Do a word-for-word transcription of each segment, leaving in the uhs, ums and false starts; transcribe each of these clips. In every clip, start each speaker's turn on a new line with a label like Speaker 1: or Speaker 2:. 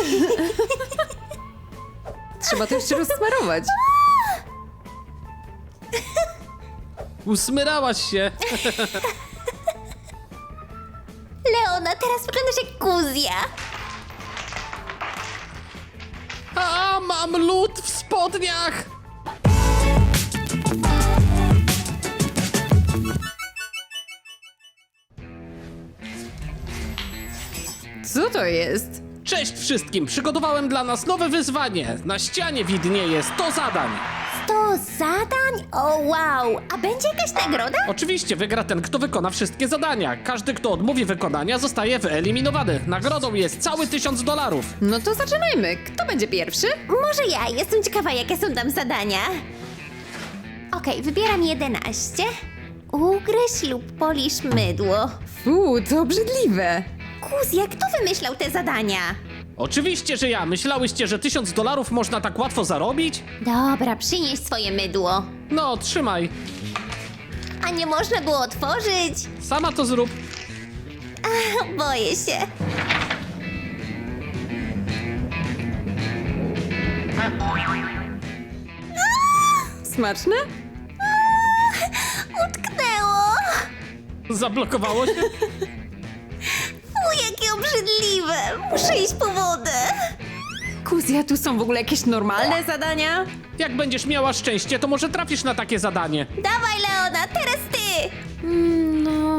Speaker 1: Trzeba to jeszcze rozsmarować.
Speaker 2: Usmyrałaś się.
Speaker 3: Leona, teraz wyglądasz jak Kuzja.
Speaker 2: A, mam lód w spodniach.
Speaker 1: Co to jest?
Speaker 2: Cześć wszystkim, przygotowałem dla nas nowe wyzwanie. Na ścianie widnieje sto zadań.
Speaker 3: sto zadań? O wow, a będzie jakaś nagroda?
Speaker 2: Oczywiście wygra ten, kto wykona wszystkie zadania. Każdy, kto odmówi wykonania, zostaje wyeliminowany. Nagrodą jest cały tysiąc dolarów.
Speaker 1: No to zaczynajmy. Kto będzie pierwszy?
Speaker 3: Może ja, jestem ciekawa jakie są tam zadania. Okej, wybieram jedenaście. Ugryź lub polisz mydło.
Speaker 1: Fuu, to obrzydliwe.
Speaker 3: Kuzja, kto wymyślał te zadania?
Speaker 2: Oczywiście, że ja. Myślałyście, że tysiąc dolarów można tak łatwo zarobić?
Speaker 3: Dobra, przynieś swoje mydło.
Speaker 2: No, trzymaj.
Speaker 3: A nie można było otworzyć?
Speaker 2: Sama to zrób.
Speaker 3: Boję się.
Speaker 1: Smaczne?
Speaker 3: Utknęło.
Speaker 2: Zablokowało się?
Speaker 3: U, jakie obrzydliwe. Muszę iść po wodę.
Speaker 1: Kuzja, tu są w ogóle jakieś normalne zadania?
Speaker 2: Jak będziesz miała szczęście, to może trafisz na takie zadanie.
Speaker 3: Dawaj, Leona, teraz ty.
Speaker 1: Mm, no...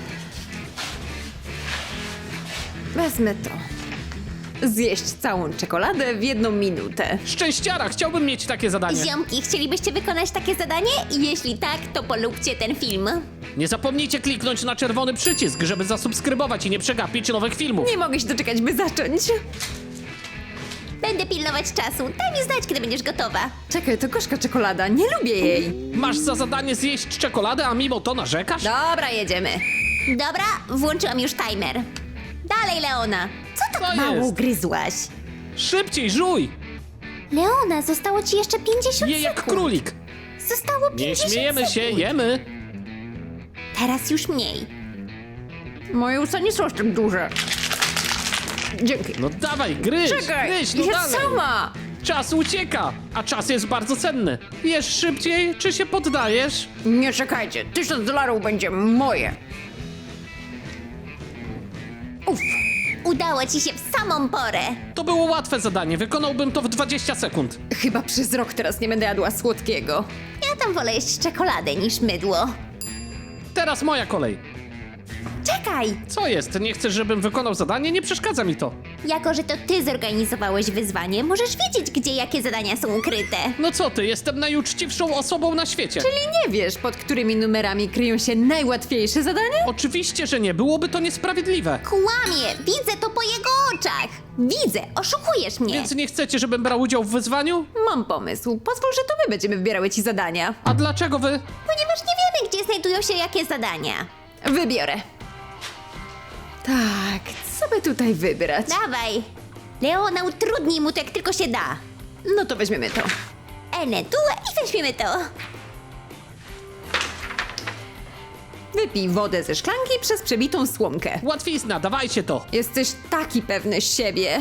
Speaker 1: Wezmę to. Zjeść całą czekoladę w jedną minutę.
Speaker 2: Szczęściara, chciałbym mieć takie zadanie.
Speaker 3: Ziomki, chcielibyście wykonać takie zadanie? Jeśli tak, to polubcie ten film.
Speaker 2: Nie zapomnijcie kliknąć na czerwony przycisk, żeby zasubskrybować i nie przegapić nowych filmów.
Speaker 1: Nie mogę się doczekać, by zacząć.
Speaker 3: Będę pilnować czasu. Daj mi znać, kiedy będziesz gotowa.
Speaker 1: Czekaj, to gorzka czekolada. Nie lubię jej.
Speaker 2: Masz za zadanie zjeść czekoladę, a mimo to narzekasz?
Speaker 1: Dobra, jedziemy.
Speaker 3: Dobra, włączyłam już timer. Dalej, Leona. Co tak
Speaker 2: Co
Speaker 3: mało
Speaker 2: jest?
Speaker 3: gryzłaś?
Speaker 2: Szybciej, żuj!
Speaker 3: Leona, zostało ci jeszcze pięćdziesiąt
Speaker 2: Je jak
Speaker 3: sekund.
Speaker 2: królik.
Speaker 3: Zostało
Speaker 2: Nie
Speaker 3: pięćdziesiąt
Speaker 2: śmiejemy
Speaker 3: sekund.
Speaker 2: się, jemy.
Speaker 3: Teraz już mniej.
Speaker 1: Moje usta nie są aż tak duże. Dzięki.
Speaker 2: No dawaj, gryź,
Speaker 1: Czekaj,
Speaker 2: gryź, no
Speaker 1: ja
Speaker 2: dalej.
Speaker 1: sama.
Speaker 2: Czas ucieka, a czas jest bardzo cenny. Jesz szybciej, czy się poddajesz?
Speaker 1: Nie czekajcie, tysiąc dolarów będzie moje. Uff.
Speaker 3: Udało ci się w samą porę.
Speaker 2: To było łatwe zadanie, wykonałbym to w dwadzieścia sekund.
Speaker 1: Chyba przez rok teraz nie będę jadła słodkiego.
Speaker 3: Ja tam wolę jeść czekoladę niż mydło.
Speaker 2: Teraz moja kolej.
Speaker 3: Czekaj!
Speaker 2: Co jest? Nie chcesz, żebym wykonał zadanie? Nie przeszkadza mi to.
Speaker 3: Jako, że to ty zorganizowałeś wyzwanie, możesz wiedzieć, gdzie jakie zadania są ukryte.
Speaker 2: No co ty, jestem najuczciwszą osobą na świecie.
Speaker 1: Czyli nie wiesz, pod którymi numerami kryją się najłatwiejsze zadania?
Speaker 2: Oczywiście, że nie, byłoby to niesprawiedliwe.
Speaker 3: Kłamie! Widzę to po jego oczach! Widzę! Oszukujesz mnie!
Speaker 2: Więc nie chcecie, żebym brał udział w wyzwaniu?
Speaker 1: Mam pomysł. Pozwól, że to my będziemy wybierały ci zadania.
Speaker 2: A dlaczego wy?
Speaker 3: Ponieważ nie wiemy, gdzie znajdują się jakie zadania.
Speaker 1: Wybiorę. Tak, co by tutaj wybrać?
Speaker 3: Dawaj! Leona, utrudnij mu to jak tylko się da.
Speaker 1: No to weźmiemy to.
Speaker 3: Ene tu i weźmiemy to.
Speaker 1: Wypij wodę ze szklanki przez przebitą słomkę.
Speaker 2: Łatwizna, dawajcie to.
Speaker 1: Jesteś taki pewny siebie.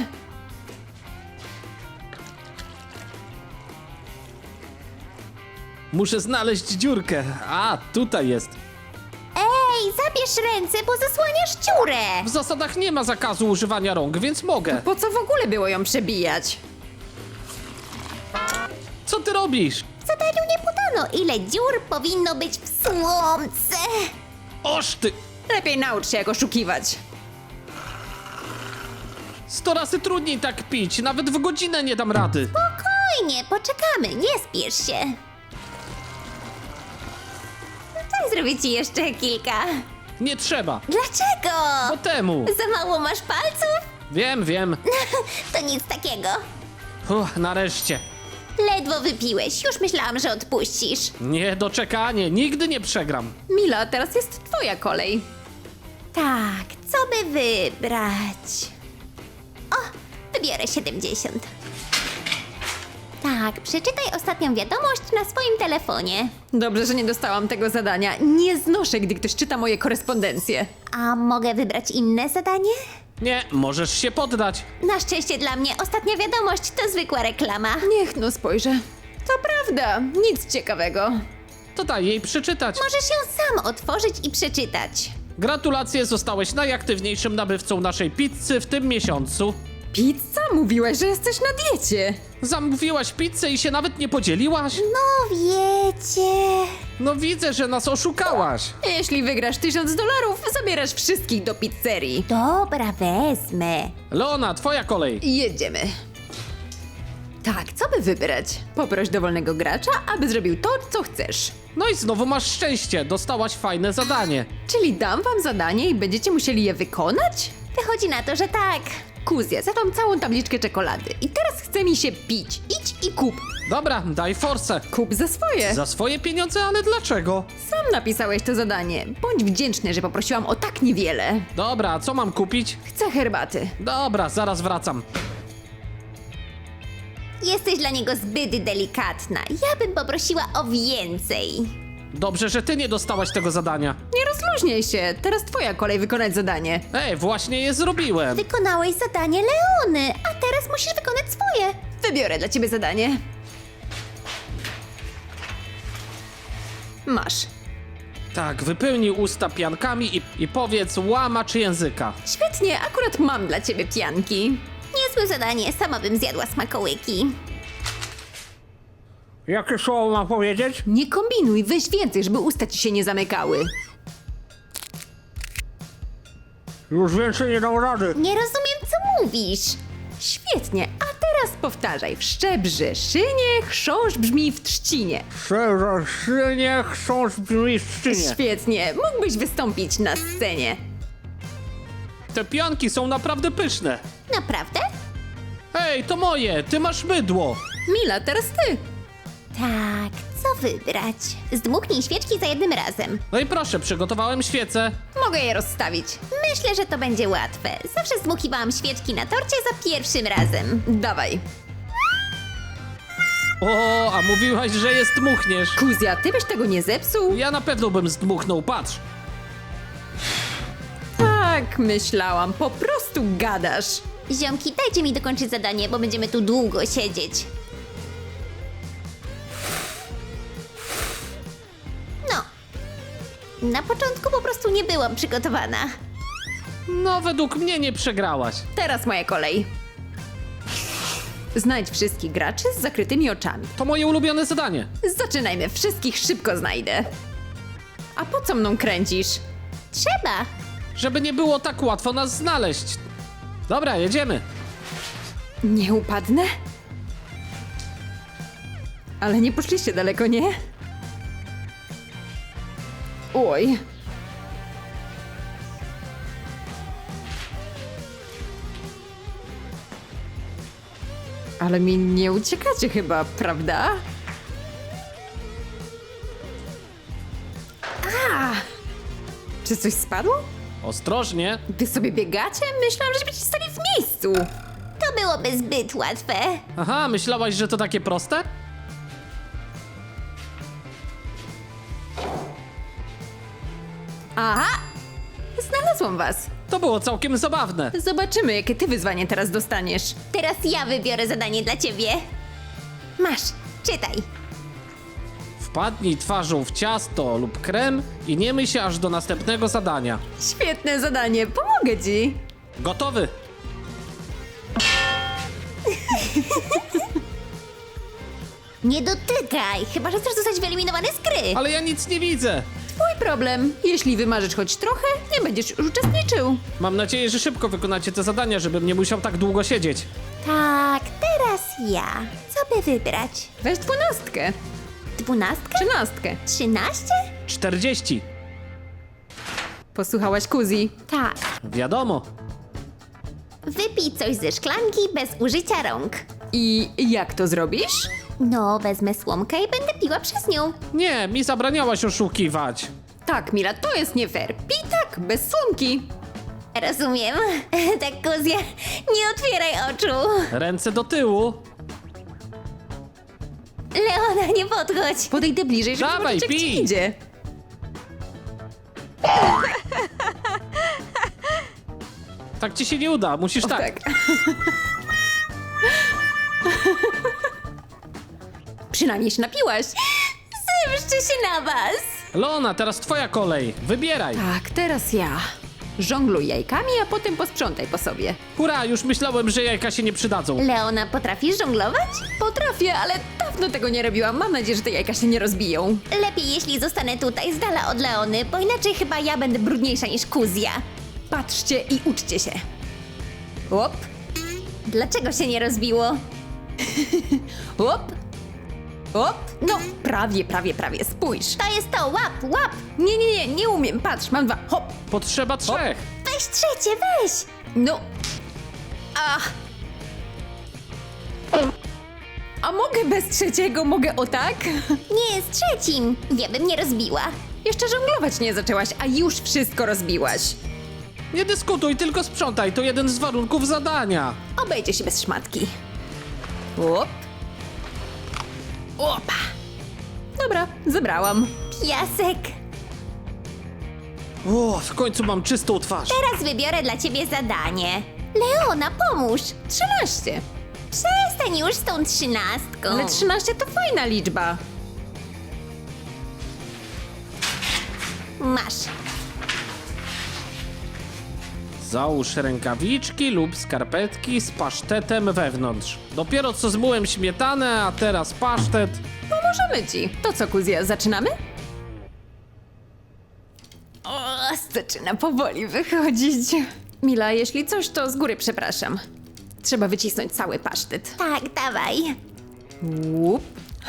Speaker 2: Muszę znaleźć dziurkę. A, tutaj jest.
Speaker 3: Ej, zabierz ręce, bo zasłaniasz dziurę!
Speaker 2: W zasadach nie ma zakazu używania rąk, więc mogę.
Speaker 1: Po co w ogóle było ją przebijać?
Speaker 2: Co ty robisz?
Speaker 3: W zadaniu nie podano, ile dziur powinno być w słomce.
Speaker 2: Oż ty!
Speaker 1: Lepiej naucz się, jak oszukiwać.
Speaker 2: Sto razy trudniej tak pić, nawet w godzinę nie dam rady.
Speaker 3: Spokojnie, poczekamy, nie spiesz się. Daj zrobię ci jeszcze kilka.
Speaker 2: Nie trzeba.
Speaker 3: Dlaczego?
Speaker 2: Po temu.
Speaker 3: Za mało masz palców?
Speaker 2: Wiem, wiem.
Speaker 3: To nic takiego.
Speaker 2: Uff, nareszcie.
Speaker 3: Ledwo wypiłeś, już myślałam, że odpuścisz.
Speaker 2: Niedoczekanie, nigdy nie przegram.
Speaker 1: Mila, teraz jest twoja kolej.
Speaker 3: Tak, co by wybrać? O, wybiorę siedemdziesiąt. Tak, przeczytaj ostatnią wiadomość na swoim telefonie.
Speaker 1: Dobrze, że nie dostałam tego zadania. Nie znoszę, gdy ktoś czyta moje korespondencje.
Speaker 3: A mogę wybrać inne zadanie?
Speaker 2: Nie, możesz się poddać.
Speaker 3: Na szczęście dla mnie ostatnia wiadomość to zwykła reklama.
Speaker 1: Niech no spojrzę. To prawda, nic ciekawego.
Speaker 2: To daj jej przeczytać.
Speaker 3: Możesz ją sam otworzyć i przeczytać.
Speaker 2: Gratulacje, zostałeś najaktywniejszym nabywcą naszej pizzy w tym miesiącu.
Speaker 1: Pizza? Mówiłaś, że jesteś na diecie.
Speaker 2: Zamówiłaś pizzę i się nawet nie podzieliłaś?
Speaker 3: No wiecie...
Speaker 2: No widzę, że nas oszukałaś.
Speaker 1: Jeśli wygrasz tysiąc dolarów, zabierasz wszystkich do pizzerii.
Speaker 3: Dobra, wezmę.
Speaker 2: Leona, twoja kolej.
Speaker 1: Jedziemy. Tak, co by wybrać? Poproś dowolnego gracza, aby zrobił to, co chcesz.
Speaker 2: No i znowu masz szczęście, dostałaś fajne zadanie.
Speaker 1: Czyli dam wam zadanie i będziecie musieli je wykonać?
Speaker 3: Wychodzi na to, że tak.
Speaker 1: Kuzja, zadam całą tabliczkę czekolady i teraz chce mi się pić. Idź i kup.
Speaker 2: Dobra, daj forsę.
Speaker 1: Kup za swoje.
Speaker 2: Za swoje pieniądze, ale dlaczego?
Speaker 1: Sam napisałeś to zadanie. Bądź wdzięczny, że poprosiłam o tak niewiele.
Speaker 2: Dobra, co mam kupić?
Speaker 1: Chcę herbaty.
Speaker 2: Dobra, zaraz wracam.
Speaker 3: Jesteś dla niego zbyt delikatna. Ja bym poprosiła o więcej.
Speaker 2: Dobrze, że ty nie dostałaś tego zadania.
Speaker 1: Nie rozluźnij się. Teraz twoja kolej wykonać zadanie.
Speaker 2: Ej, właśnie je zrobiłem.
Speaker 3: Wykonałeś zadanie Leony, a teraz musisz wykonać swoje.
Speaker 1: Wybiorę dla ciebie zadanie. Masz.
Speaker 2: Tak, wypełnij usta piankami i, i powiedz łamacz języka.
Speaker 1: Świetnie, akurat mam dla ciebie pianki.
Speaker 3: Niezłe zadanie, sama bym zjadła smakołyki.
Speaker 2: Jakie słowo mam powiedzieć?
Speaker 1: Nie kombinuj, weź więcej, żeby usta ci się nie zamykały.
Speaker 2: Już więcej nie dam rady.
Speaker 3: Nie rozumiem, co mówisz.
Speaker 1: Świetnie, a teraz powtarzaj. Wszczebrzy szynie, chrząszcz brzmi w trzcinie.
Speaker 2: Przepraszenie, chrząszcz brzmi w szczynie.
Speaker 1: Świetnie, mógłbyś wystąpić na scenie.
Speaker 2: Te pianki są naprawdę pyszne.
Speaker 3: Naprawdę?
Speaker 2: Ej, to moje, ty masz mydło.
Speaker 1: Mila, teraz ty.
Speaker 3: Tak, co wybrać? Zdmuchnij świeczki za jednym razem.
Speaker 2: No i proszę, przygotowałem świecę.
Speaker 1: Mogę je rozstawić.
Speaker 3: Myślę, że to będzie łatwe. Zawsze zdmuchiwałam świeczki na torcie za pierwszym razem.
Speaker 1: Dawaj.
Speaker 2: O, a mówiłaś, że je zdmuchniesz.
Speaker 1: Kuzja, ty byś tego nie zepsuł?
Speaker 2: Ja na pewno bym zdmuchnął, patrz.
Speaker 1: Tak, myślałam, po prostu gadasz.
Speaker 3: Ziomki, dajcie mi dokończyć zadanie, bo będziemy tu długo siedzieć. No. Na początku po prostu nie byłam przygotowana.
Speaker 2: No, według mnie nie przegrałaś.
Speaker 1: Teraz moja kolej. Znajdź wszystkich graczy z zakrytymi oczami.
Speaker 2: To moje ulubione zadanie.
Speaker 1: Zaczynajmy, wszystkich szybko znajdę. A po co mną kręcisz?
Speaker 3: Trzeba.
Speaker 2: Żeby nie było tak łatwo nas znaleźć. Dobra, jedziemy.
Speaker 1: Nie upadnę? Ale nie poszliście daleko, nie? Oj. Ale mi nie uciekacie chyba, prawda? A! Czy coś spadło?
Speaker 2: Ostrożnie.
Speaker 1: Wy sobie biegacie? Myślałam, że będziecie stali w miejscu.
Speaker 3: To byłoby zbyt łatwe.
Speaker 2: Aha, myślałaś, że to takie proste?
Speaker 1: Aha! Znalazłam was.
Speaker 2: To było całkiem zabawne.
Speaker 1: Zobaczymy, jakie ty wyzwanie teraz dostaniesz.
Speaker 3: Teraz ja wybiorę zadanie dla ciebie. Masz, czytaj.
Speaker 2: Wpadnij twarzą w ciasto lub krem i nie myj się aż do następnego zadania.
Speaker 1: Świetne zadanie, pomogę ci.
Speaker 2: Gotowy?
Speaker 3: Nie dotykaj, chyba że chcesz zostać wyeliminowany z gry.
Speaker 2: Ale ja nic nie widzę.
Speaker 1: Twój problem. Jeśli wymarzysz choć trochę, nie będziesz już uczestniczył.
Speaker 2: Mam nadzieję, że szybko wykonacie te zadania, żebym nie musiał tak długo siedzieć.
Speaker 3: Tak, teraz ja. Co by wybrać?
Speaker 1: Weź dwunastkę.
Speaker 3: Dwunastkę?
Speaker 1: Trzynastkę.
Speaker 3: Trzynaście?
Speaker 2: czterdzieści.
Speaker 1: Posłuchałaś Kuzi?
Speaker 3: Tak.
Speaker 2: Wiadomo.
Speaker 3: Wypij coś ze szklanki bez użycia rąk.
Speaker 1: I jak to zrobisz?
Speaker 3: No, wezmę słomkę i będę piła przez nią.
Speaker 2: Nie, mi zabraniałaś oszukiwać.
Speaker 1: Tak, Mila, to jest nie fair. Pij tak, bez słomki.
Speaker 3: Rozumiem. Tak, Kuzia, nie otwieraj oczu.
Speaker 2: Ręce do tyłu.
Speaker 3: Leona, nie podchodź.
Speaker 1: Podejdę bliżej, żeby
Speaker 2: Dawaj,
Speaker 1: zobaczyć, jak ci
Speaker 2: pij.
Speaker 1: idzie.
Speaker 2: Tak ci się nie uda, musisz
Speaker 1: O,
Speaker 2: tak.
Speaker 1: tak. Przynajmniej się napiłaś.
Speaker 3: Zemszczę się na was!
Speaker 2: Leona, teraz twoja kolej. Wybieraj.
Speaker 1: Tak, teraz ja. Żongluj jajkami, a potem posprzątaj po sobie.
Speaker 2: Hurra, już myślałem, że jajka się nie przydadzą.
Speaker 3: Leona, potrafisz żonglować?
Speaker 1: Potrafię, ale dawno tego nie robiłam. Mam nadzieję, że te jajka się nie rozbiją.
Speaker 3: Lepiej, jeśli zostanę tutaj z dala od Leony, bo inaczej chyba ja będę brudniejsza niż Kuzja.
Speaker 1: Patrzcie i uczcie się. Łop,
Speaker 3: Dlaczego się nie rozbiło?
Speaker 1: łop, łop. No, prawie, prawie, prawie. Spójrz.
Speaker 3: To jest to, łap, łap!
Speaker 1: Nie, nie, nie, nie umiem. Patrz, mam dwa. Hop.
Speaker 2: Potrzeba trzech.
Speaker 3: Weź trzecie, weź!
Speaker 1: No. Ach. A mogę bez trzeciego? Mogę o tak?
Speaker 3: Nie, z trzecim! Ja bym nie rozbiła.
Speaker 1: Jeszcze żonglować nie zaczęłaś, a już wszystko rozbiłaś.
Speaker 2: Nie dyskutuj, tylko sprzątaj. To jeden z warunków zadania.
Speaker 1: Obejdzie się bez szmatki. Łop. Opa. Dobra, zebrałam.
Speaker 3: Piasek!
Speaker 2: O, w końcu mam czystą twarz.
Speaker 3: Teraz wybiorę dla ciebie zadanie. Leona, pomóż!
Speaker 1: trzynaście.
Speaker 3: Przestań już z tą trzynastką.
Speaker 1: Ale trzynaście to fajna liczba.
Speaker 3: Masz.
Speaker 2: Załóż rękawiczki lub skarpetki z pasztetem wewnątrz. Dopiero co zmyłem śmietanę, a teraz pasztet.
Speaker 1: Pomożemy ci. To co, Kuzja, zaczynamy? O, zaczyna powoli wychodzić. Mila, jeśli coś, to z góry przepraszam. Trzeba wycisnąć cały pasztet.
Speaker 3: Tak, dawaj.
Speaker 1: Łup.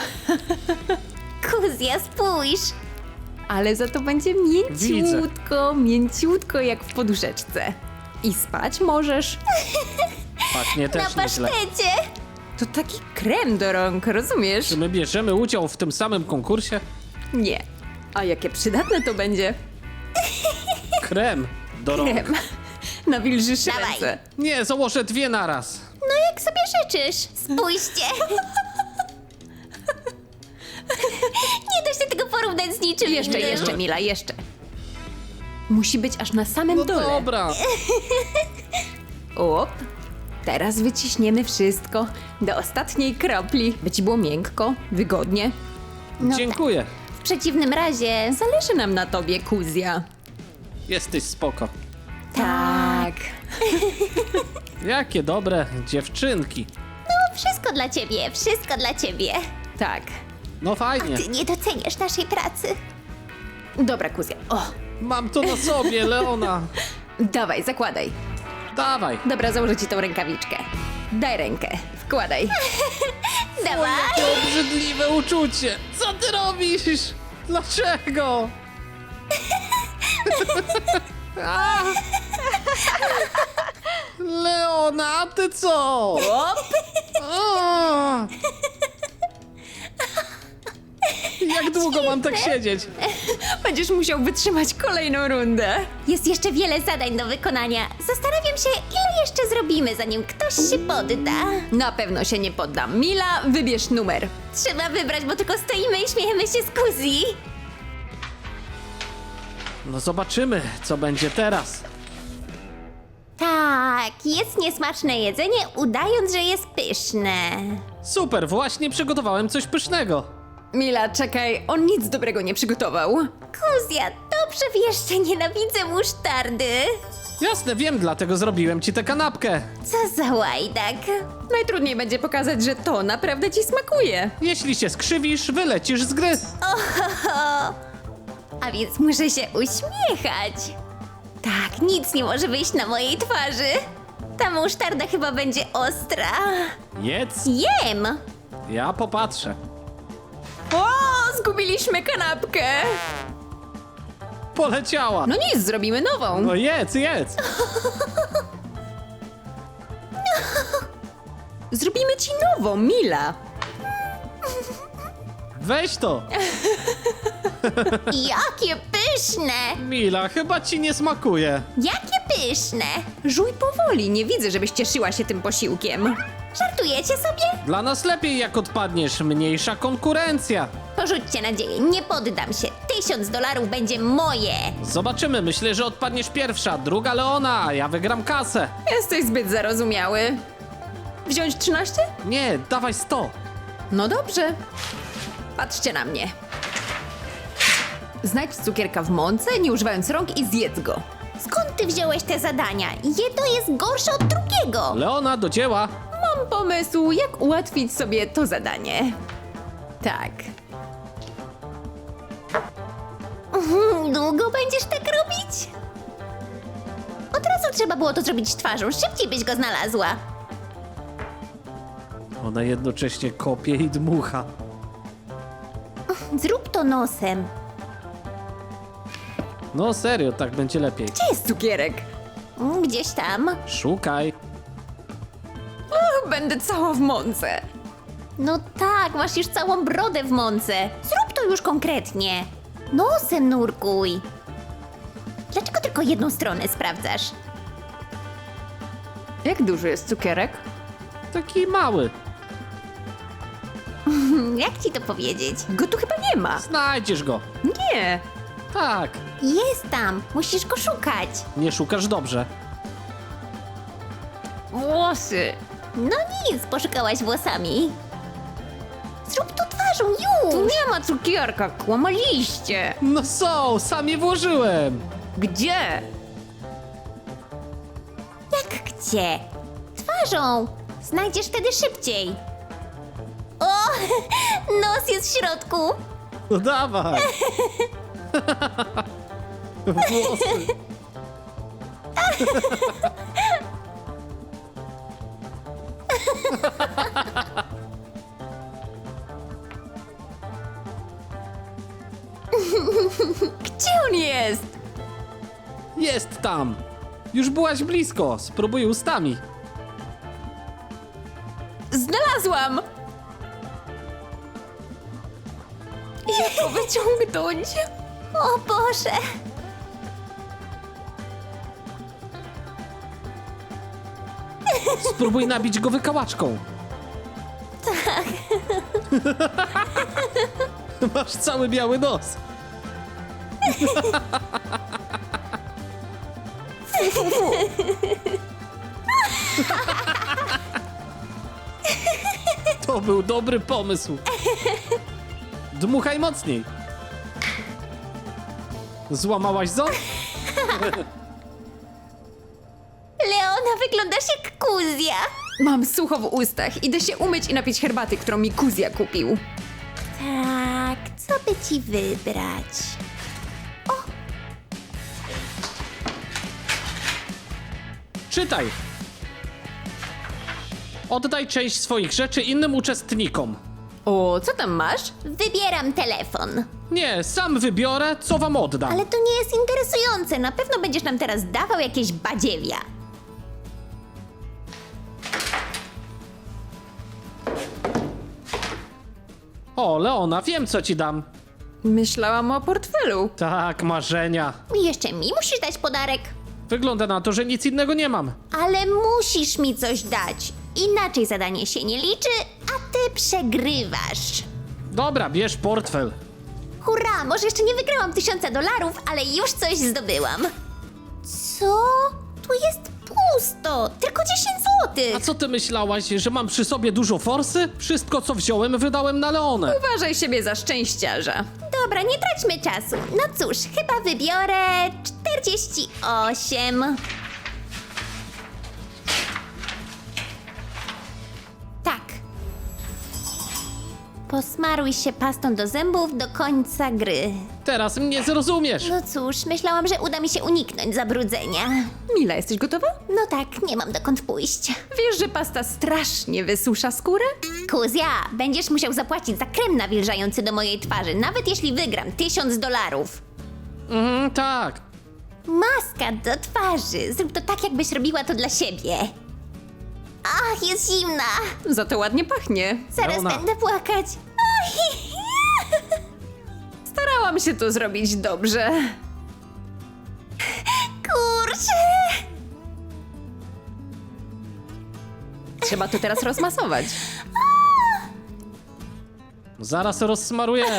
Speaker 3: Kuzja, spójrz.
Speaker 1: Ale za to będzie mięciutko, mięciutko jak w poduszeczce. I spać możesz.
Speaker 2: Pachnie
Speaker 3: Na
Speaker 2: też nieźle.
Speaker 3: pasztecie.
Speaker 1: To taki krem do rąk, rozumiesz?
Speaker 2: Czy my bierzemy udział w tym samym konkursie?
Speaker 1: Nie. A jakie przydatne to będzie?
Speaker 2: Krem do rąk.
Speaker 1: Krem. Nawilżysz
Speaker 3: Dawaj.
Speaker 1: ręce.
Speaker 2: Nie, założę dwie naraz.
Speaker 3: No jak sobie życzysz. Spójrzcie. Nie da się tego porównać z niczym
Speaker 1: Jeszcze,
Speaker 3: innym.
Speaker 1: jeszcze, Mila, jeszcze. Musi być aż na samym
Speaker 2: No
Speaker 1: dole.
Speaker 2: dobra.
Speaker 1: Op. Teraz wyciśniemy wszystko do ostatniej kropli, by ci było miękko, wygodnie.
Speaker 3: No
Speaker 2: Dziękuję.
Speaker 3: W przeciwnym razie...
Speaker 1: Zależy nam na tobie, Kuzja.
Speaker 2: Jesteś spoko.
Speaker 1: Tak.
Speaker 2: Jakie dobre dziewczynki.
Speaker 3: No, wszystko dla ciebie, wszystko dla ciebie.
Speaker 1: Tak.
Speaker 2: No fajnie.
Speaker 3: Ty nie doceniasz naszej pracy.
Speaker 1: Dobra, Kuzja. O,
Speaker 2: Mam to na sobie, Leona.
Speaker 1: dawaj, zakładaj.
Speaker 2: Dawaj.
Speaker 1: Dobra, założę ci tą rękawiczkę. Daj rękę. Wkładaj.
Speaker 3: Dawaj.
Speaker 2: To obrzydliwe uczucie. Co ty robisz? Dlaczego? A! Leona, a ty co?
Speaker 1: Op.
Speaker 2: A! Jak długo mam tak siedzieć?
Speaker 1: Będziesz musiał wytrzymać kolejną rundę.
Speaker 3: Jest jeszcze wiele zadań do wykonania. Zastanawiam się, ile jeszcze zrobimy, zanim ktoś się podda.
Speaker 1: Na pewno się nie poddam. Mila, wybierz numer.
Speaker 3: Trzeba wybrać, bo tylko stoimy i śmiejemy się z Kuzi.
Speaker 2: No zobaczymy, co będzie teraz.
Speaker 3: Tak, jest niesmaczne jedzenie, udając, że jest pyszne.
Speaker 2: Super, właśnie przygotowałem coś pysznego.
Speaker 1: Mila, czekaj, on nic dobrego nie przygotował.
Speaker 3: Kuzja, dobrze wiesz, że nienawidzę musztardy.
Speaker 2: Jasne, wiem, dlatego zrobiłem ci tę kanapkę.
Speaker 3: Co za łajdak.
Speaker 1: Najtrudniej będzie pokazać, że to naprawdę ci smakuje.
Speaker 2: Jeśli się skrzywisz, wylecisz z gry.
Speaker 3: Ohoho. A więc muszę się uśmiechać. Tak, nic nie może wyjść na mojej twarzy. Ta musztarda chyba będzie ostra.
Speaker 2: Jedz,
Speaker 3: Jem!
Speaker 2: ja popatrzę.
Speaker 1: O, zgubiliśmy kanapkę.
Speaker 2: Poleciała.
Speaker 1: No nic, zrobimy nową.
Speaker 2: No jedz, jedz.
Speaker 1: Zrobimy ci nową, Mila.
Speaker 2: Weź to.
Speaker 3: Jakie pyszne!
Speaker 2: Mila, chyba ci nie smakuje.
Speaker 3: Jakie pyszne.
Speaker 1: Żuj powoli, nie widzę, żebyś cieszyła się tym posiłkiem.
Speaker 3: Żartujecie sobie?
Speaker 2: Dla nas lepiej jak odpadniesz, mniejsza konkurencja.
Speaker 3: Porzućcie nadzieję, nie poddam się. Tysiąc dolarów będzie moje.
Speaker 2: Zobaczymy, myślę, że odpadniesz pierwsza, druga Leona, a ja wygram kasę.
Speaker 1: Jesteś zbyt zarozumiały. Wziąć trzynaście?
Speaker 2: Nie, dawaj sto.
Speaker 1: No dobrze. Patrzcie na mnie. Znajdź cukierka w mące, nie używając rąk i zjedz go.
Speaker 3: Skąd ty wziąłeś te zadania? Jedno jest gorsze od drugiego.
Speaker 2: Leona, do dzieła.
Speaker 1: Mam pomysł, jak ułatwić sobie to zadanie. Tak.
Speaker 3: Mhm, Długo będziesz tak robić? Od razu trzeba było to zrobić twarzą, szybciej byś go znalazła.
Speaker 2: Ona jednocześnie kopie i dmucha.
Speaker 3: Zrób to nosem.
Speaker 2: No serio, tak będzie lepiej.
Speaker 1: Gdzie jest cukierek?
Speaker 3: Mm, Gdzieś tam.
Speaker 2: Szukaj.
Speaker 1: Och, będę cała w mące.
Speaker 3: No tak, masz już całą brodę w mące. Zrób to już konkretnie. Nosem nurkuj. Dlaczego tylko jedną stronę sprawdzasz?
Speaker 1: Jak duży jest cukierek?
Speaker 2: Taki mały.
Speaker 3: Hmm, Jak ci to powiedzieć?
Speaker 1: Go tu chyba nie ma.
Speaker 2: Znajdziesz go.
Speaker 1: Nie.
Speaker 2: Tak.
Speaker 3: Jest tam, musisz go szukać.
Speaker 2: Nie szukasz dobrze.
Speaker 1: Włosy.
Speaker 3: No nic, poszukałaś włosami. Zrób to twarzą,
Speaker 1: Tu
Speaker 3: już!
Speaker 1: nie ma cukierka, kłamaliście.
Speaker 2: No są, sam je włożyłem.
Speaker 1: Gdzie?
Speaker 3: Jak gdzie? Twarzą! Znajdziesz wtedy szybciej. O! Nos jest w środku!
Speaker 2: No dawaj. Włosy.
Speaker 1: Gdzie on jest?
Speaker 2: Jest tam. Już byłaś blisko. Spróbuj ustami.
Speaker 1: Znalazłam! Jak go wyciągnąć?
Speaker 3: O Boże!
Speaker 2: Spróbuj nabić go wykałaczką.
Speaker 3: Tak.
Speaker 2: Masz cały biały nos. To był dobry pomysł. Dmuchaj mocniej. Złamałaś ząb?
Speaker 3: Leona, wyglądasz jak Kuzja.
Speaker 1: Mam sucho w ustach. Idę się umyć i napić herbaty, którą mi Kuzja kupił.
Speaker 3: Tak, co by ci wybrać?
Speaker 2: Czytaj. Oddaj część swoich rzeczy innym uczestnikom.
Speaker 1: O, co tam masz?
Speaker 3: Wybieram telefon.
Speaker 2: Nie, sam wybiorę, co wam oddam.
Speaker 3: Ale to nie jest interesujące. Na pewno będziesz nam teraz dawał jakieś badziewia.
Speaker 2: O, Leona, wiem, co ci dam.
Speaker 1: Myślałam o portfelu.
Speaker 2: Tak, marzenia.
Speaker 3: I jeszcze mi musisz dać podarek.
Speaker 2: Wygląda na to, że nic innego nie mam.
Speaker 3: Ale musisz mi coś dać. Inaczej zadanie się nie liczy, a ty przegrywasz.
Speaker 2: Dobra, bierz portfel.
Speaker 3: Hurra, może jeszcze nie wygrałam tysiąca dolarów, ale już coś zdobyłam. Co? Tu jest pusto, tylko dziesięć złotych.
Speaker 2: A co ty myślałaś, że mam przy sobie dużo forsy? Wszystko, co wziąłem, wydałem na Leonę.
Speaker 1: Uważaj siebie za szczęściarza.
Speaker 3: Dobra, nie traćmy czasu. No cóż, chyba wybiorę czterdzieści osiem. Tak. Posmaruj się pastą do zębów do końca gry.
Speaker 2: Teraz mnie zrozumiesz.
Speaker 3: No cóż, myślałam, że uda mi się uniknąć zabrudzenia.
Speaker 1: Mila, jesteś gotowa?
Speaker 3: No tak, nie mam dokąd pójść.
Speaker 1: Wiesz, że pasta strasznie wysusza skórę?
Speaker 3: Kuzja, będziesz musiał zapłacić za krem nawilżający do mojej twarzy, nawet jeśli wygram tysiąc dolarów.
Speaker 2: Mhm, tak.
Speaker 3: Maska do twarzy. Zrób to tak, jakbyś robiła to dla siebie. Ach, jest zimna.
Speaker 1: Za to ładnie pachnie.
Speaker 3: Zaraz
Speaker 2: Leona.
Speaker 3: będę płakać. Oj.
Speaker 1: Starałam się to zrobić dobrze.
Speaker 3: Kurczę.
Speaker 1: trzeba to teraz rozmasować.
Speaker 2: Zaraz rozsmarujemy.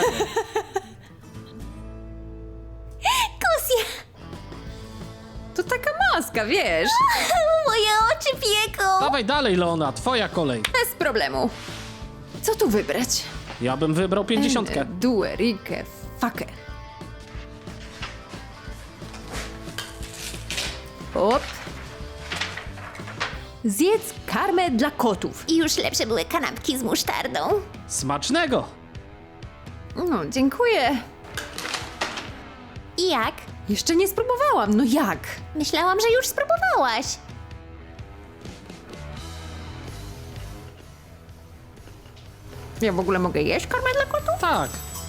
Speaker 3: Kuzja,
Speaker 1: To taka maska, wiesz?
Speaker 3: moje oczy pieką.
Speaker 2: Dawaj dalej, Leona, twoja kolej.
Speaker 1: Bez problemu. Co tu wybrać?
Speaker 2: Ja bym wybrał pięćdziesiątkę.
Speaker 1: Due, Rike, fucker. Op. Zjedz karmę dla kotów.
Speaker 3: I już lepsze były kanapki z musztardą.
Speaker 2: Smacznego!
Speaker 1: No, dziękuję.
Speaker 3: I jak?
Speaker 1: Jeszcze nie spróbowałam, no jak?
Speaker 3: Myślałam, że już spróbowałaś.
Speaker 1: Ja w ogóle mogę jeść karmę dla kotów?
Speaker 2: Tak.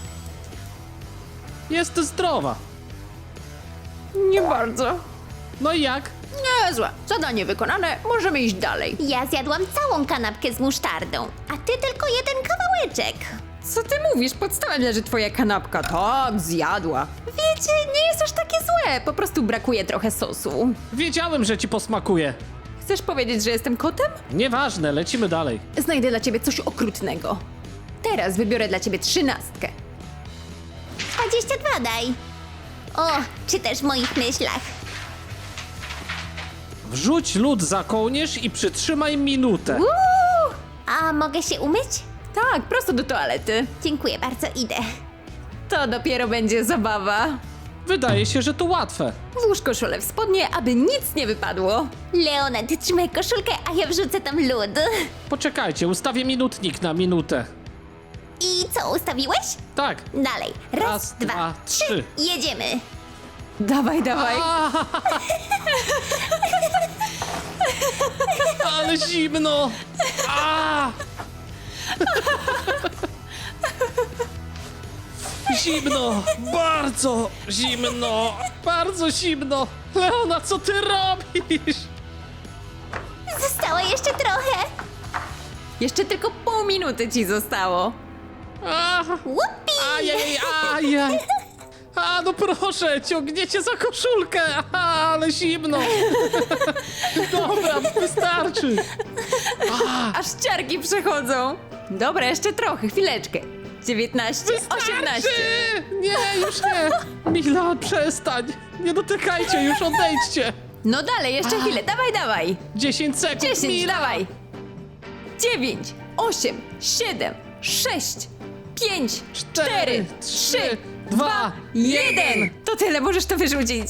Speaker 2: Jest zdrowa.
Speaker 1: Nie bardzo.
Speaker 2: No i jak?
Speaker 1: Niezłe. Zadanie wykonane, możemy iść dalej.
Speaker 3: Ja zjadłam całą kanapkę z musztardą, a ty tylko jeden kawałeczek.
Speaker 1: Co ty mówisz? Podstawem leży twoja kanapka. Tak, zjadła. Wiecie, nie jest aż takie złe. Po prostu brakuje trochę sosu.
Speaker 2: Wiedziałem, że ci posmakuje.
Speaker 1: Chcesz powiedzieć, że jestem kotem?
Speaker 2: Nieważne, lecimy dalej.
Speaker 1: Znajdę dla ciebie coś okrutnego. Teraz wybiorę dla ciebie trzynastkę.
Speaker 3: dwadzieścia dwa daj. O, czy też w moich myślach.
Speaker 2: Wrzuć lód za kołnierz i przytrzymaj minutę.
Speaker 3: Uuu, a mogę się umyć?
Speaker 1: Tak, prosto do toalety.
Speaker 3: Dziękuję bardzo, idę.
Speaker 1: To dopiero będzie zabawa.
Speaker 2: Wydaje się, że to łatwe.
Speaker 1: Włóż koszulę w spodnie, aby nic nie wypadło.
Speaker 3: Leona, ty trzymaj koszulkę, a ja wrzucę tam lód.
Speaker 2: Poczekajcie, ustawię minutnik na minutę.
Speaker 3: I co, ustawiłeś?
Speaker 2: Tak.
Speaker 3: Dalej. Raz,
Speaker 2: Raz,
Speaker 3: dwa,
Speaker 2: dwa,
Speaker 3: trzy.
Speaker 2: trzy.
Speaker 3: Jedziemy.
Speaker 1: Dawaj, dawaj.
Speaker 2: A, ale zimno! A! Zimno! Bardzo zimno! Bardzo zimno! Leona, co ty robisz?
Speaker 3: Zostało jeszcze trochę.
Speaker 1: Jeszcze tylko pół minuty ci zostało.
Speaker 2: A,
Speaker 3: Łupi!
Speaker 2: ajaj, ajaj! A, no proszę, ciągniecie za koszulkę! A, ale zimno! Dobra, wystarczy!
Speaker 1: Aż ciarki przechodzą. Dobra, jeszcze trochę, chwileczkę. dziewiętnaście, osiemnaście.
Speaker 2: Wystarczy! Nie, już nie! Mila, przestań! Nie dotykajcie, już odejdźcie!
Speaker 1: No dalej, jeszcze chwilę, dawaj, dawaj.
Speaker 2: dziesięć sekund,
Speaker 1: dziesięć,
Speaker 2: Mila!
Speaker 1: dawaj. dziewięć, osiem, siedem, sześć, pięć, cztery, trzy, dwa, jeden. To tyle, możesz to wyrzucić.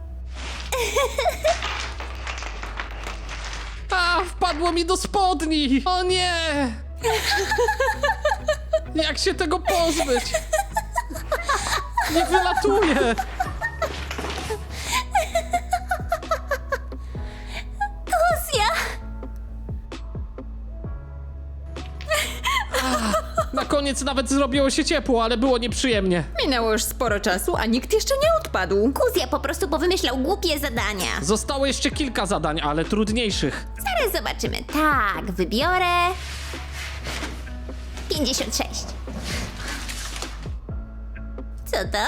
Speaker 2: A, wpadło mi do spodni! O nie! Jak się tego pozbyć? Nie wylatuje!
Speaker 3: Kuzja!
Speaker 2: Na koniec nawet zrobiło się ciepło, ale było nieprzyjemnie.
Speaker 1: Minęło już sporo czasu, a nikt jeszcze nie odpadł.
Speaker 3: Kuzja po prostu powymyślał głupie zadania.
Speaker 2: Zostało jeszcze kilka zadań, ale trudniejszych.
Speaker 3: Zaraz zobaczymy. Tak, wybiorę... pięćdziesiąt sześć. Co to?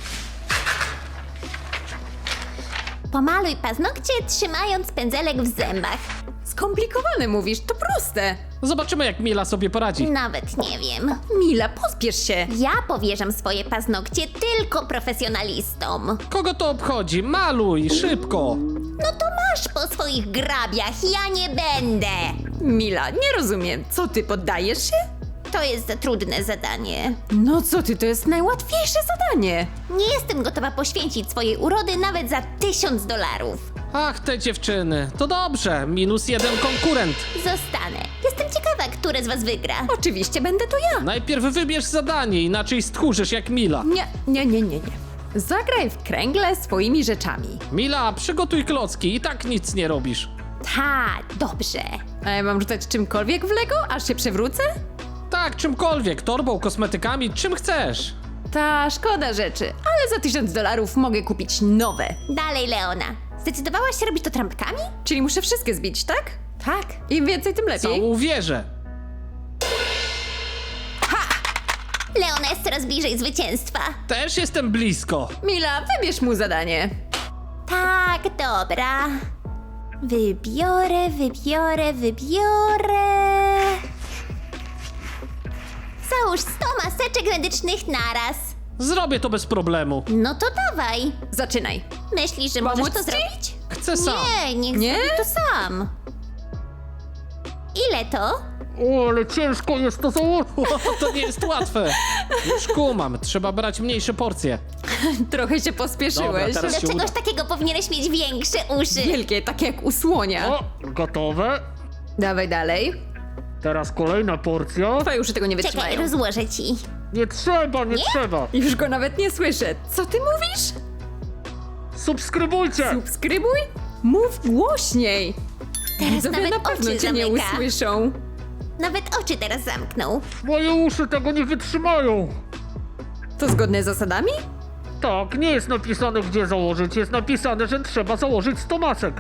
Speaker 3: Pomaluj paznokcie, trzymając pędzelek w zębach.
Speaker 1: Skomplikowane mówisz, to proste.
Speaker 2: Zobaczymy, jak Mila sobie poradzi.
Speaker 3: Nawet nie wiem.
Speaker 1: Mila, pospiesz się.
Speaker 3: Ja powierzam swoje paznokcie tylko profesjonalistom.
Speaker 2: Kogo to obchodzi? Maluj, szybko!
Speaker 3: No to masz po swoich grabiach, ja nie będę.
Speaker 1: Mila, nie rozumiem. Co ty, poddajesz się?
Speaker 3: To jest za trudne zadanie.
Speaker 1: No co ty, to jest najłatwiejsze zadanie.
Speaker 3: Nie jestem gotowa poświęcić swojej urody nawet za tysiąc dolarów.
Speaker 2: Ach, te dziewczyny. To dobrze, minus jeden konkurent.
Speaker 3: Zostanę. Jestem ciekawa, które z was wygra.
Speaker 1: Oczywiście będę to ja.
Speaker 2: Najpierw wybierz zadanie, inaczej stchórzysz jak Mila.
Speaker 1: Nie, nie, nie, nie, nie. Zagraj w kręgle swoimi rzeczami.
Speaker 2: Mila, przygotuj klocki, i tak nic nie robisz.
Speaker 3: Tak, dobrze.
Speaker 1: A ja mam rzucać czymkolwiek w Lego, aż się przewrócę?
Speaker 2: Tak, czymkolwiek, torbą, kosmetykami, czym chcesz.
Speaker 1: Ta szkoda rzeczy, ale za tysiąc dolarów mogę kupić nowe.
Speaker 3: Dalej, Leona. Zdecydowałaś się robić to trampkami?
Speaker 1: Czyli muszę wszystkie zbić, tak? Tak. Im więcej, tym lepiej.
Speaker 2: Całą wieżę.
Speaker 3: Leona jest coraz bliżej zwycięstwa.
Speaker 2: Też jestem blisko.
Speaker 1: Mila, wybierz mu zadanie.
Speaker 3: Tak, dobra. Wybiorę, wybiorę, wybiorę. Załóż sto maseczek medycznych naraz.
Speaker 2: Zrobię to bez problemu.
Speaker 3: No to dawaj.
Speaker 1: Zaczynaj.
Speaker 3: Myślisz, że
Speaker 1: Pomóc
Speaker 3: możesz to
Speaker 1: ci?
Speaker 3: zrobić?
Speaker 2: Chcę sam.
Speaker 3: Nie, niech
Speaker 1: Nie?
Speaker 3: zrobi to sam. Ile to?
Speaker 2: O, ale ciężko jest to założyć. To nie jest łatwe. Już kumam, trzeba brać mniejsze porcje.
Speaker 1: Trochę się pospieszyłeś.
Speaker 2: Dobra, teraz-
Speaker 3: Do
Speaker 2: się
Speaker 3: czegoś
Speaker 2: uda.
Speaker 3: takiego powinieneś mieć większe uszy.
Speaker 1: Wielkie, takie jak u słonia.
Speaker 2: O, gotowe.
Speaker 1: Dawaj dalej.
Speaker 2: Teraz kolejna porcja.
Speaker 1: Twoje uszy tego nie
Speaker 3: Czekaj,
Speaker 1: wytrzymają.
Speaker 3: rozłożę ci.
Speaker 2: Nie trzeba, nie, trzeba.
Speaker 1: Już go nawet nie słyszę. Co ty mówisz?
Speaker 2: Subskrybujcie.
Speaker 1: Subskrybuj? Mów głośniej.
Speaker 3: Teraz
Speaker 1: Widzowie
Speaker 3: nawet
Speaker 1: na pewno
Speaker 3: oczy
Speaker 1: cię nie
Speaker 3: zamyka.
Speaker 1: usłyszą.
Speaker 3: Nawet oczy teraz zamknął.
Speaker 2: Moje uszy tego nie wytrzymają.
Speaker 1: To zgodne z zasadami?
Speaker 2: Tak, nie jest napisane gdzie założyć. Jest napisane, że trzeba założyć sto masek.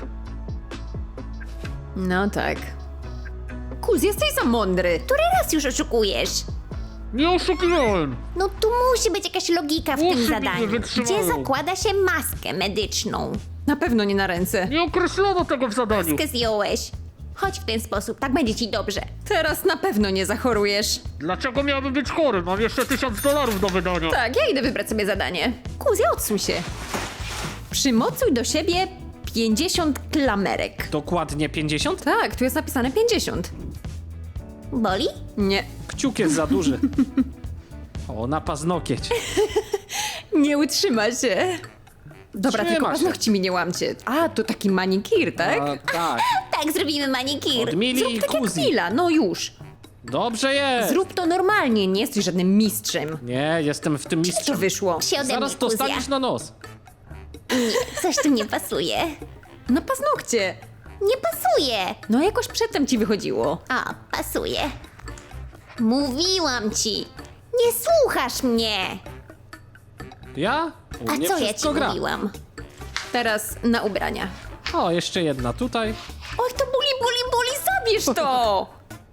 Speaker 1: No tak. Kuz, jesteś za mądry.
Speaker 3: Który raz już oszukujesz?
Speaker 2: Nie oszukiwałem.
Speaker 3: No tu musi być jakaś logika w
Speaker 2: Uszy
Speaker 3: tym
Speaker 2: mi nie
Speaker 3: zadaniu.
Speaker 2: wytrzymają.
Speaker 3: Gdzie zakłada się maskę medyczną?
Speaker 1: Na pewno nie na ręce.
Speaker 2: Nie określono tego w zadaniu.
Speaker 3: Maskę zdjąłeś. Chodź w ten sposób, tak będzie ci dobrze.
Speaker 1: Teraz na pewno nie zachorujesz.
Speaker 2: Dlaczego miałbym być chory? Mam jeszcze tysiąc dolarów do wydania.
Speaker 1: Tak, ja idę wybrać sobie zadanie. Kuz, ja odsuń się. Przymocuj do siebie pięćdziesiąt klamerek.
Speaker 2: Dokładnie pięćdziesiąt?
Speaker 1: Tak, tu jest napisane pięćdziesiąt.
Speaker 3: Boli?
Speaker 1: Nie,
Speaker 2: Kciuk jest za duży. O, na paznokieć.
Speaker 1: nie utrzyma się. Dobra,
Speaker 2: Trzyma
Speaker 1: tylko
Speaker 2: się.
Speaker 1: paznokci mi nie łamcie. A, to taki manikir, tak?
Speaker 2: A, tak.
Speaker 3: Tak, zrobimy manikir.
Speaker 2: Od Mili i
Speaker 1: Zrób tak jak
Speaker 2: Kuzi.
Speaker 1: Mila, no już.
Speaker 2: Dobrze jest.
Speaker 1: Zrób to normalnie, nie jesteś żadnym mistrzem.
Speaker 2: Nie, jestem w tym
Speaker 1: Co
Speaker 2: mistrzem.
Speaker 1: wyszło?
Speaker 3: Się ode
Speaker 2: Zaraz
Speaker 3: mnie,
Speaker 2: to
Speaker 3: Kuzja.
Speaker 2: staniesz na nos.
Speaker 3: Coś tu nie pasuje.
Speaker 1: Na paznokcie.
Speaker 3: Nie pasuje.
Speaker 1: No jakoś przedtem ci wychodziło.
Speaker 3: A, pasuje. Mówiłam ci. Nie słuchasz mnie.
Speaker 2: Ja? U
Speaker 3: A
Speaker 2: mnie
Speaker 3: co ja ci
Speaker 2: wszystko gra.
Speaker 3: mówiłam?
Speaker 1: Teraz na ubrania.
Speaker 2: O, jeszcze jedna tutaj.
Speaker 1: Oj, to boli, boli, boli, zabierz to!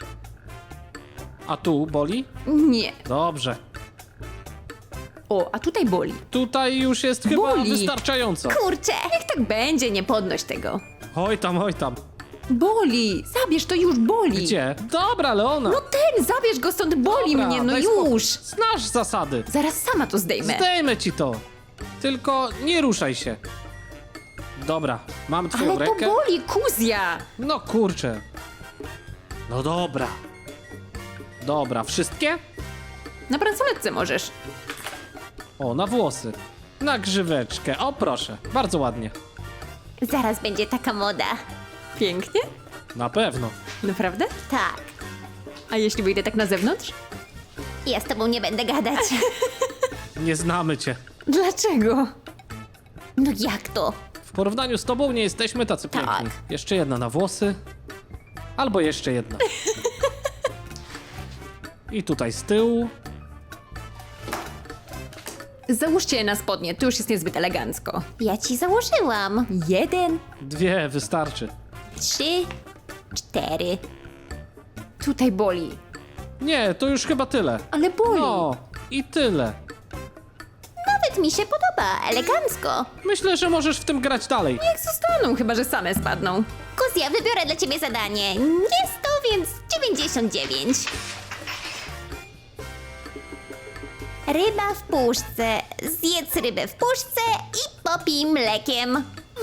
Speaker 2: A tu boli?
Speaker 1: Nie.
Speaker 2: Dobrze.
Speaker 1: O, a tutaj boli.
Speaker 2: Tutaj już jest chyba
Speaker 1: Boli.
Speaker 2: wystarczająco.
Speaker 3: Kurczę.
Speaker 1: Niech tak będzie, nie podnoś tego.
Speaker 2: Oj tam, oj tam.
Speaker 1: Boli! Zabierz, to już boli!
Speaker 2: Gdzie? Dobra, Leona.
Speaker 1: No ten, zabierz go stąd, boli
Speaker 2: Dobra,
Speaker 1: mnie, no
Speaker 2: daj spokój.
Speaker 1: już!
Speaker 2: Znasz zasady.
Speaker 1: Zaraz sama to zdejmę.
Speaker 2: Zdejmę ci to. Tylko nie ruszaj się. Dobra, mam twoją
Speaker 1: Ale to
Speaker 2: rękę.
Speaker 1: boli, Kuzja!
Speaker 2: No kurczę. No dobra. Dobra, wszystkie?
Speaker 1: Na bransoletce możesz.
Speaker 2: O, na włosy. Na grzyweczkę. O, proszę. Bardzo ładnie.
Speaker 3: Zaraz będzie taka moda.
Speaker 1: Pięknie?
Speaker 2: Na pewno.
Speaker 1: Naprawdę?
Speaker 3: Tak.
Speaker 1: A jeśli wyjdę tak na zewnątrz?
Speaker 3: Ja z tobą nie będę gadać.
Speaker 2: Nie znamy cię.
Speaker 1: Dlaczego?
Speaker 3: No jak to?
Speaker 2: W porównaniu z tobą nie jesteśmy tacy
Speaker 3: Tak.
Speaker 2: piękni. Jeszcze jedna na włosy. Albo jeszcze jedna. I tutaj z tyłu.
Speaker 1: Załóżcie je na spodnie, to już jest niezbyt elegancko.
Speaker 3: Ja ci założyłam.
Speaker 1: Jeden,
Speaker 2: Dwie wystarczy.
Speaker 3: Trzy, cztery.
Speaker 1: tutaj boli.
Speaker 2: Nie, to już chyba tyle.
Speaker 1: Ale boli.
Speaker 2: No, i tyle.
Speaker 3: Nawet mi się podoba. Elegancko.
Speaker 2: Myślę, że możesz w tym grać dalej.
Speaker 1: Niech zostaną, chyba że same spadną.
Speaker 3: Kuzja, wybiorę dla ciebie zadanie. Nie sto, więc dziewięćdziesiąt dziewięć. Ryba w puszce. Zjedz rybę w puszce i popij mlekiem.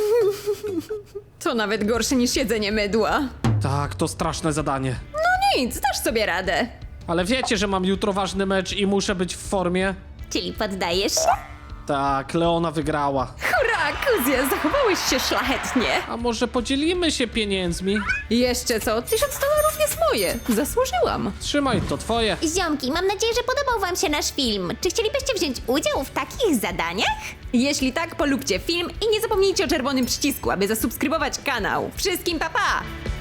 Speaker 1: To nawet gorsze niż jedzenie mydła.
Speaker 2: Tak, to straszne zadanie.
Speaker 1: No nic, dasz sobie radę.
Speaker 2: Ale wiecie, że mam jutro ważny mecz i muszę być w formie?
Speaker 3: Czyli poddajesz się?
Speaker 2: Tak, Leona wygrała.
Speaker 1: Hurra, Kuzja, zachowałeś się szlachetnie.
Speaker 2: A może podzielimy się pieniędzmi?
Speaker 1: Jeszcze co? Tysiąc dolarów jest moje. Zasłużyłam.
Speaker 2: Trzymaj, to twoje.
Speaker 3: Ziomki, mam nadzieję, że podobał wam się nasz film. Czy chcielibyście wziąć udział w takich zadaniach?
Speaker 1: Jeśli tak, polubcie film i nie zapomnijcie o czerwonym przycisku, aby zasubskrybować kanał. Wszystkim pa pa!